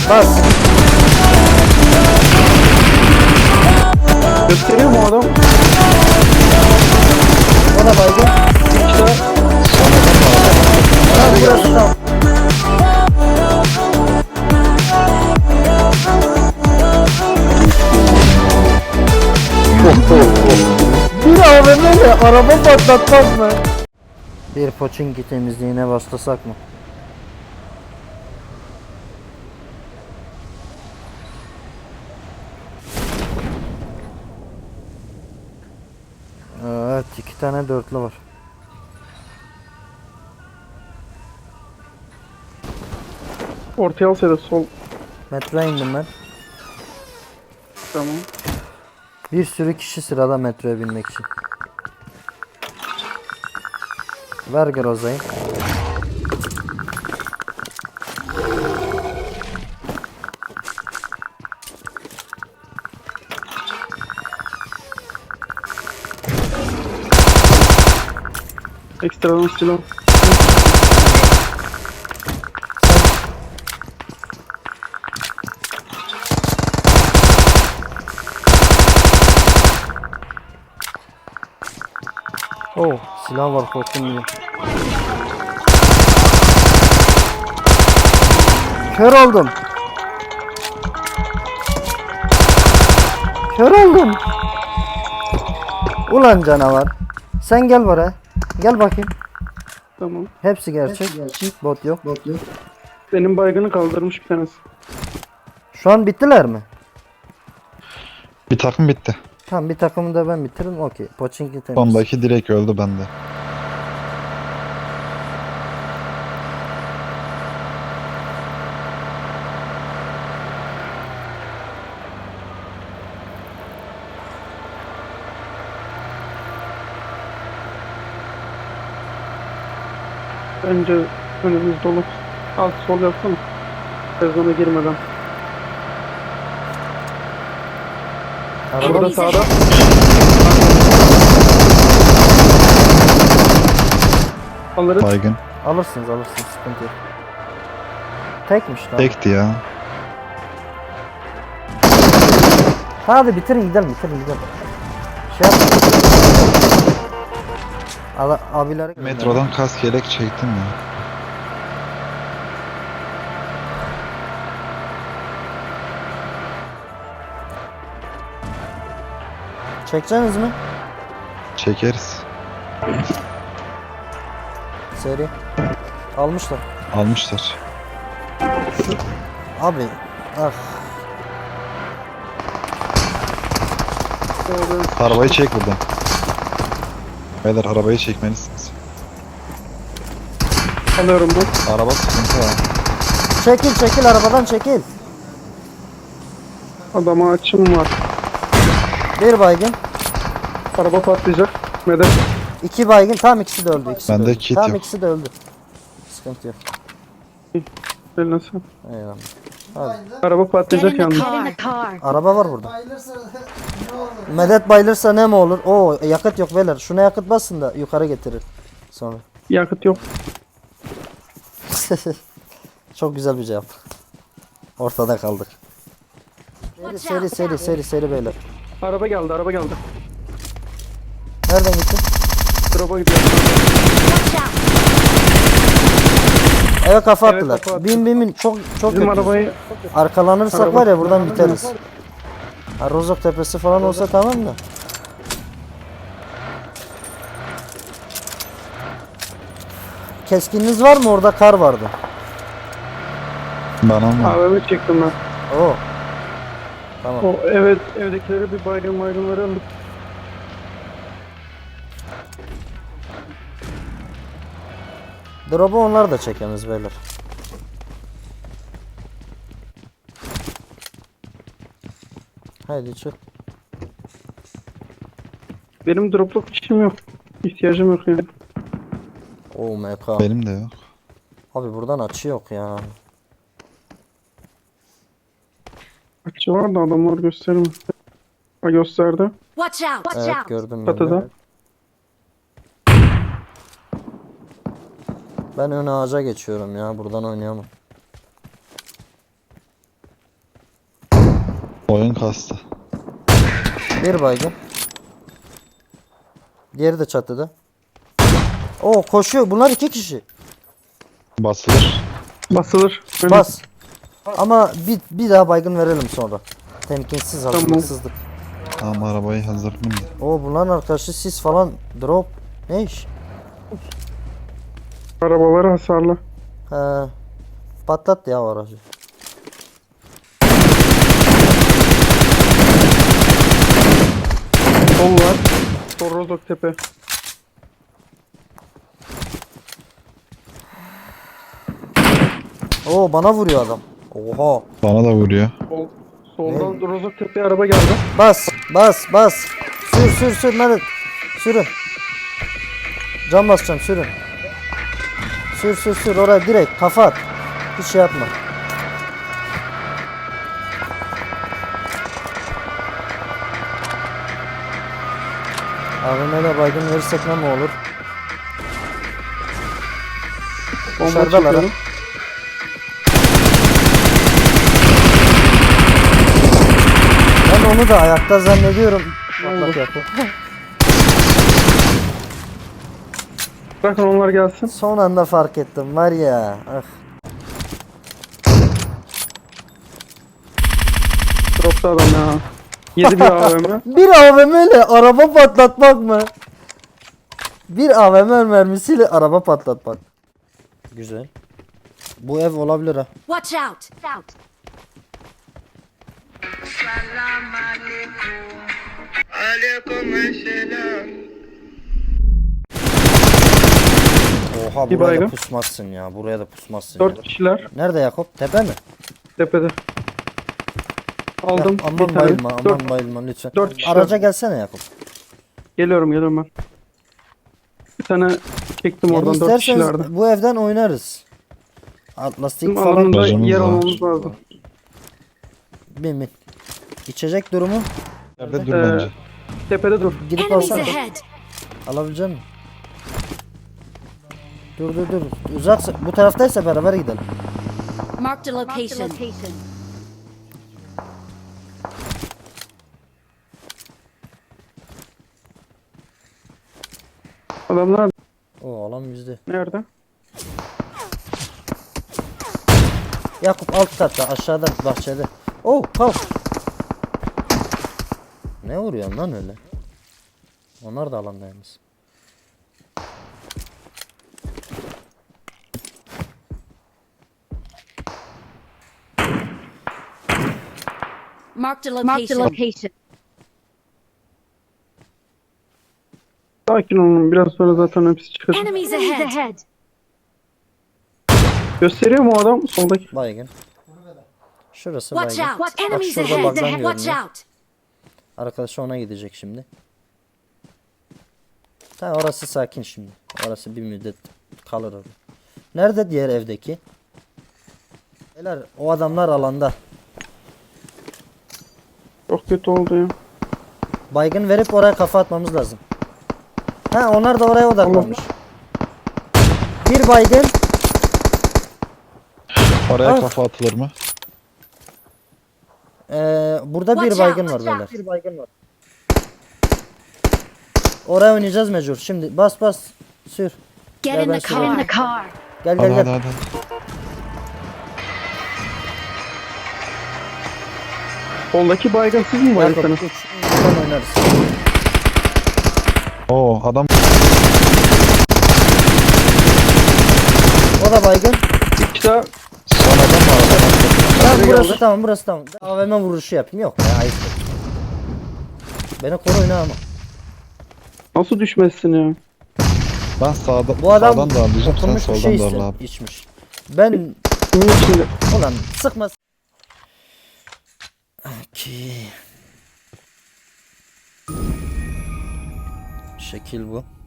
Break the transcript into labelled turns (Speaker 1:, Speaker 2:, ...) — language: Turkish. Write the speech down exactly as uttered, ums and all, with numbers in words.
Speaker 1: Bas.
Speaker 2: Gösteriyor mu o adam?
Speaker 1: O da baygın.
Speaker 2: İşte
Speaker 1: Tamam burası tamam. Bir A V M ile araba patlatmaz mı? Bir Pochinki temizliğine başlasak mı? Evet, iki tane dörtlü var.
Speaker 2: ortaya alsaydı sol.
Speaker 1: Metroya indim ben.
Speaker 2: Tamam.
Speaker 1: Bir sürü kişi sırada metroya binmek için. Ver Groza'yı.
Speaker 2: Ekstradan silah.
Speaker 1: Oh, silah var, korktum yine. Kör oldum. Kör oldum. Ulan canavar. Sen gel buraya. Gel bakayım.
Speaker 2: Tamam.
Speaker 1: Hepsi gerçek. Bot yok.
Speaker 2: Benim baygını kaldırmış bir tanesi.
Speaker 1: Şu an bittiler mi?
Speaker 3: Bir takım bitti.
Speaker 1: Tamam, bir takımı da ben bitiririm. Okey. Pochinki temiz.
Speaker 3: Sondaki direkt öldü bende.
Speaker 2: Bence önümüz dolu. Alt sol yapsana. Sezona girmeden.
Speaker 1: Araba
Speaker 2: Burada sağda. Alırız.
Speaker 3: Baygın.
Speaker 1: alırsınız alırsınız. Sıkıntı yok. Tekmiş lan.
Speaker 3: Tekti ya.
Speaker 1: Hadi bitirin gidelim bitirin gidelim. Şey yap. Ala, abileri
Speaker 3: Metrodan kask yelek çektim ya.
Speaker 1: çekeceksiniz mi?
Speaker 3: Çekeriz.
Speaker 1: Seri. Almışlar.
Speaker 3: Almışlar.
Speaker 1: Abi. Ah.
Speaker 3: Arabayı çek buradan. Beyler arabayı çekmelisiniz.
Speaker 2: Alıyorum bu.
Speaker 3: Araba sıkıntı ya.
Speaker 1: Çekil çekil arabadan çekil.
Speaker 2: Adama açım var.
Speaker 1: Bir baygın.
Speaker 2: Araba patlayacak. Medet.
Speaker 1: İki baygın. Tam ikisi de öldü. İkisi
Speaker 3: Bende
Speaker 1: de öldü.
Speaker 3: kit
Speaker 1: Tam
Speaker 3: yok.
Speaker 1: ikisi de öldü. Sıkıntı yok.
Speaker 2: Eline sağlık.
Speaker 1: Eyvallah. Hadi.
Speaker 2: Araba
Speaker 4: Get
Speaker 2: patlayacak
Speaker 4: in the
Speaker 2: yalnız.
Speaker 4: car. Get in the car.
Speaker 1: Araba var burada. Medet bayılırsa ne mi olur? Oo yakıt yok beyler. Şuna yakıt basın da yukarı getirir. Sonra.
Speaker 2: Yakıt yok.
Speaker 1: Çok güzel bir cevap. Ortada kaldık. Seri seri seri seri seri beyler.
Speaker 2: Araba geldi, araba geldi.
Speaker 1: Nereden gitti?
Speaker 2: Drop'a gidiyor.
Speaker 4: Watch out.
Speaker 1: Eve kafa
Speaker 2: Evet,
Speaker 1: attılar.
Speaker 2: kafa attı.
Speaker 1: bin bin bin çok çok
Speaker 2: Bizim
Speaker 1: kötü.
Speaker 2: arabayı
Speaker 1: Arkalanırsak
Speaker 2: Araba-
Speaker 1: var ya buradan biteriz. Ha, Rozok tepesi falan olsa tamam da. Keskininiz var mı? Orada kar vardı.
Speaker 3: Bana mı?
Speaker 2: A V M çektim ben.
Speaker 1: Oo. Tamam.
Speaker 2: O evet, evdekileri bir baygın baygınları aldık.
Speaker 1: Drop'u onlar da çekemiz beyler. Haydi çık.
Speaker 2: Benim dropluk işim yok. İhtiyacım yok yani.
Speaker 1: Oo M K.
Speaker 3: Benim de yok.
Speaker 1: Abi buradan açı yok ya.
Speaker 2: Açı var da adamlar göstermiyor. Ha gösterdi.
Speaker 4: Watch out. Watch
Speaker 1: Evet
Speaker 4: out.
Speaker 1: gördüm ben de.
Speaker 2: Çatıda.
Speaker 1: Ben ön ağaca geçiyorum ya. Buradan oynayamam.
Speaker 3: Oyun kastı.
Speaker 1: Bir baygın. Diğeri de çatıda. Oo koşuyor. Bunlar iki kişi.
Speaker 3: Basılır.
Speaker 2: Basılır. Aynen.
Speaker 1: Bas. Ama bir, bir daha baygın verelim sonra. Temkinsiz hazırlıksızlık.
Speaker 3: Tamam arabayı hazırlayayım da.
Speaker 1: Oo bunların arkadaşı sis falan drop. Ne iş?
Speaker 2: Arabaları hasarlı.
Speaker 1: He. Patlat ya o aracı.
Speaker 2: Sol var. Sol Rozok tepe.
Speaker 1: Oo bana vuruyor adam. Oha.
Speaker 3: Bana da vuruyor.
Speaker 2: Sol. Soldan Rozok tepeye araba geldi.
Speaker 1: Bas, bas, bas. Sür, sür, sür. Nerede? Sürün. Cam basacağım, sürün. Sür, sür, sür. Oraya direkt kafa at. Hiç şey yapma. A V M'yle baygın verirsek ne mi olur?
Speaker 2: Bomba
Speaker 1: Dışarıdalar ha.
Speaker 2: çekiyorum.
Speaker 1: Ben onu da ayakta zannediyorum. Patlak yapı.
Speaker 2: Bırakın onlar gelsin.
Speaker 1: Son anda fark ettim var ya. Ah.
Speaker 2: Dropta adam ya. Yedi bir A V M.
Speaker 1: Bir A V M ile araba patlatmak mı? Bir A V M mermisiyle araba patlatmak. Güzel. Bu ev olabilir ha.
Speaker 4: Watch out! Out.
Speaker 1: Oha
Speaker 2: Bir
Speaker 1: buraya da
Speaker 2: baygın.
Speaker 1: pusmazsın ya. Buraya da pusmazsın
Speaker 2: Dört
Speaker 1: ya.
Speaker 2: kişiler
Speaker 1: Nerede Yakup? Tepe mi?
Speaker 2: tepede. Aldım
Speaker 1: Ya, aman
Speaker 2: bir tane.
Speaker 1: bayılma, aman
Speaker 2: Dört.
Speaker 1: bayılma lütfen.
Speaker 2: dört kişi
Speaker 1: Araca
Speaker 2: var.
Speaker 1: gelsene Yakup.
Speaker 2: Geliyorum geliyorum ben. Bir tane çektim
Speaker 1: Yani
Speaker 2: oradan dört
Speaker 1: isterseniz
Speaker 2: kişilerdi.
Speaker 1: bu evden oynarız. Lastik
Speaker 2: Bizim
Speaker 1: falan
Speaker 2: alanında
Speaker 3: Bacımız
Speaker 2: yer
Speaker 3: var.
Speaker 2: almamız lazım.
Speaker 1: bin bin. İçecek durumu
Speaker 3: Nerede dur
Speaker 2: Ee,
Speaker 3: bence.
Speaker 2: Tepede dur.
Speaker 1: gidip
Speaker 4: Enemies
Speaker 1: alsana.
Speaker 4: ahead!
Speaker 1: Alabilecek misin? Dur dur dur. Uzaksa bu taraftaysa beraber gidelim.
Speaker 4: Marked a location.
Speaker 2: Adamlar
Speaker 1: O alan bizde.
Speaker 2: nerede?
Speaker 1: Yakup alt katta aşağıda bahçede. Oh kalk. Ne vuruyorsun lan öyle? Onlar da alandaymış.
Speaker 4: Marked a location.
Speaker 2: Sakin olun biraz sonra zaten hepsi çıkacak.
Speaker 4: Enemies ahead!
Speaker 2: Gösteriyor mu o adam soldaki?
Speaker 1: Baygın. Şurası
Speaker 4: Watch
Speaker 1: baygın.
Speaker 4: out!
Speaker 1: Bak
Speaker 4: Enemies
Speaker 1: şurada
Speaker 4: ahead!
Speaker 1: bug'dan
Speaker 4: Watch
Speaker 1: görünüyor.
Speaker 4: out!
Speaker 1: Arkadaşı ona gidecek şimdi. Tamam orası sakin şimdi. Orası bir müddet kalır orada. Nerede diğer evdeki? Beyler o adamlar alanda.
Speaker 2: Çok kötü oldu ya.
Speaker 1: Baygın verip oraya kafa atmamız lazım. Ha onlar da oraya odaklanmış. Bir baygın.
Speaker 3: Oraya
Speaker 1: Ah.
Speaker 3: kafa atılır mı?
Speaker 1: Ee, burada bir
Speaker 4: Watch
Speaker 1: baygın
Speaker 4: out,
Speaker 1: var
Speaker 4: watch
Speaker 1: beyler.
Speaker 4: out.
Speaker 1: Bir baygın var. Oraya oynayacağız mecbur. Şimdi bas bas. Sür.
Speaker 4: Get
Speaker 1: Gel
Speaker 4: in
Speaker 1: ben
Speaker 4: the
Speaker 1: süreyim.
Speaker 4: car.
Speaker 1: Gel
Speaker 3: Hadi
Speaker 1: gel
Speaker 3: hadi
Speaker 1: gel.
Speaker 3: hadi.
Speaker 2: Soldaki baygın siz mi
Speaker 1: Yakup
Speaker 2: baygınsınız?
Speaker 1: üç. Buradan oynarız.
Speaker 3: Oo adam
Speaker 1: O da baygın.
Speaker 2: İki daha
Speaker 3: son adam var.
Speaker 1: Tamam
Speaker 2: Nereye
Speaker 1: burası
Speaker 2: geldi?
Speaker 1: tamam burası tamam. A V M vuruşu yapayım yok ya ayıp. Beni koru oyna ama.
Speaker 2: nasıl düşmezsin ya?
Speaker 3: Ben sağda,
Speaker 1: Bu adam
Speaker 3: sağdan darlayacağım sen
Speaker 1: oturmuş bir
Speaker 3: soldan
Speaker 1: şey
Speaker 3: darla
Speaker 1: iste-
Speaker 3: abi.
Speaker 1: içmiş. Ben
Speaker 2: Kimin içinde?
Speaker 1: ulan sıkma. Okey. Şekil bu.